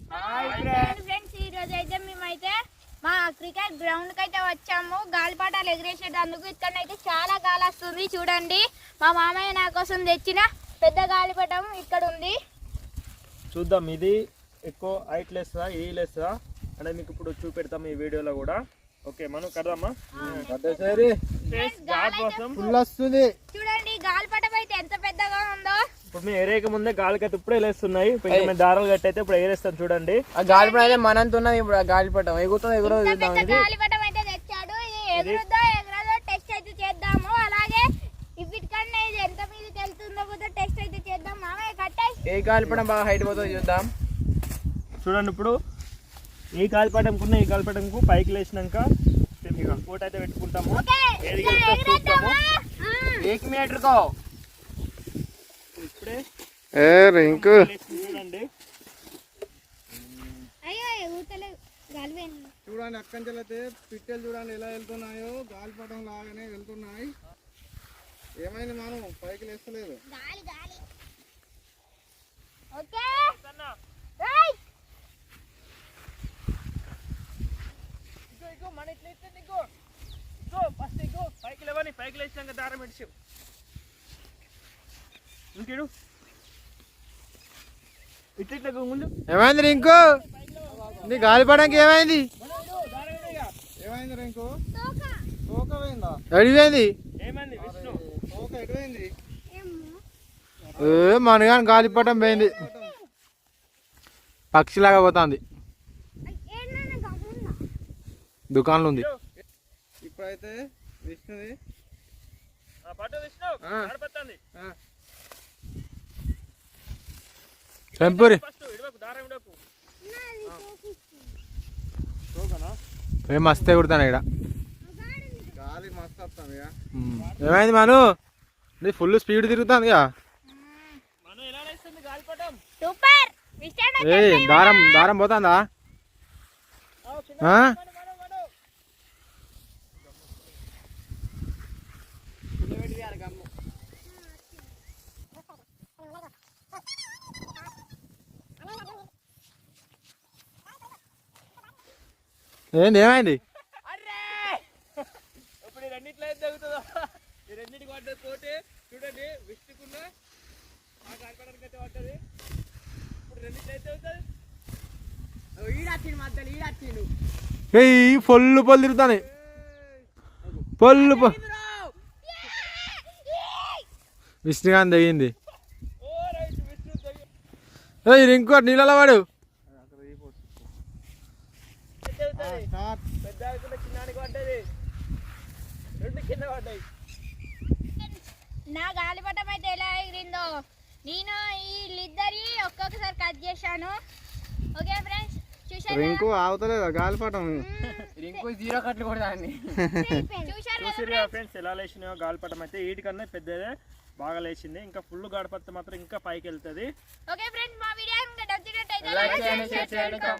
Friends ఈ రోజు అయితే మేమైతే మా క్రికెట్ గ్రౌండ్ కి అయితే వచ్చాము. గాలిపటాలు ఎగిరేసేటందుకు. ఇక్కడైతే చాలా గాలి వస్తుంది చూడండి. మా మామయ్య నా కోసం తెచ్చిన పెద్ద గాలిపటం ఇక్కడ ఉంది. చూద్దాం ఇది ఎక్కువ హైట్ లేస్తా ఏ లేస్తా అంటే మీకు ఇప్పుడు చూపెడతాం ఈ వీడియోలో కూడా. ఓకే మనం కడదామా? చూడండి గాలిపటం అయితే ఎంత పెద్దగా ఉందో. ఇప్పుడు మేము ఎరేక ముందే గాలికైతే ఇప్పుడే లేస్తున్నాయి. మేము దారాలు కట్టి అయితే ఇప్పుడు ఎగరేస్తాం చూడండి. ఆ గాలిపటం అయితే మనంత ఉన్నది. ఇప్పుడు ఆ గాలిపటం ఎగురుతుంది గాలిపటం అయితే తెచ్చాడు. ఇది ఎగురుద్దో ఎగరదో టెస్ట్ అయితే చేద్దాము. అలాగే వీటికన్నా ఇది ఎంత మీదకి వెళ్తుందో కూడా టెస్ట్ అయితే చేద్దాం. మామయ్య కట్టాయి. ఏ గాలిపటం బాగా హైట్ పోతుందో చూద్దాం. చూడండి ఇప్పుడు ఈ గాలిపటంకున్న ఈ గాలిపటంకు పైకి లేచినాక కోట అయితే పెట్టుకుంటాము. ఇప్పుడే చూడండి చూడండి అక్కంచెలైతే పిట్టెలు చూడండి ఎలా వెళ్తున్నాయో గాలిపటం లాగానే వెళ్తున్నాయి. ఏమైంది మనం పైకి లేస్తలేదు. పైకి లేచినాక దారం పెట్టి ఇంకేడు ఇట్లా ముందు ఏమైంది రింకు? నీ గాలిపటానికి ఏమైంది? ఏమైంది రింకు? తోక పోయిందా? అడిపోయింది తోక ఎటుపోయింది? మనగాని గాలిపటం పోయింది. పక్షిలాగా పోతుంది. దుకాణంలో ఉంది. ఇప్పుడైతే విష్ణుది టెంపరీ మస్తే కుడతాను ఇక్కడ. గాలి మస్తు వస్తుంది. ఏమైంది మను? నీ ఫుల్ స్పీడ్ తిరుగుతుంది. ఏ దారం దారం పోతుందా? ఏంది ఏమైంది? ఇప్పుడు రెండిట్లో అయితే తగ్గుతుందా? ఈ రెండింటికి పడ్డది పోతే చూడండి విష్ణుకున్న ఆ గాలిపటానికి అయితే పడ్డది. ఇప్పుడు రెండిట్లో అయితే అవుతుంది. పొల్లు పొల్లు తిరుగుతాను. పొల్లు విష్ణుగాని తగింది. ఇంకో నీళ్ళలో వాడు పెద్ద చిన్నానికి పడ్డది. రెండు కింద పడ్డాయి. నా గాలిపటం అయితే ఎలా ఎగిరిందో నేను వీళ్ళిద్దరి ఒక్కొక్కసారి కట్ చేశాను. ఓకే ఫ్రెండ్స్ చూసారు. రింకు ఆగుతలేదా గాలిపటం? రింకు జీరో కట్లు కూడా చూసారు ఫ్రెండ్స్ ఎలా లేచినాయో. గాలిపటం అయితే వీటికన్నా పెద్దదే బాగా లేచింది. ఇంకా ఫుల్ గాడిపడితే మాత్రం ఇంకా పైకి వెళ్తుంది. ఓకే ఫ్రెండ్స్ మా వీడియో నచ్చినట్లయితే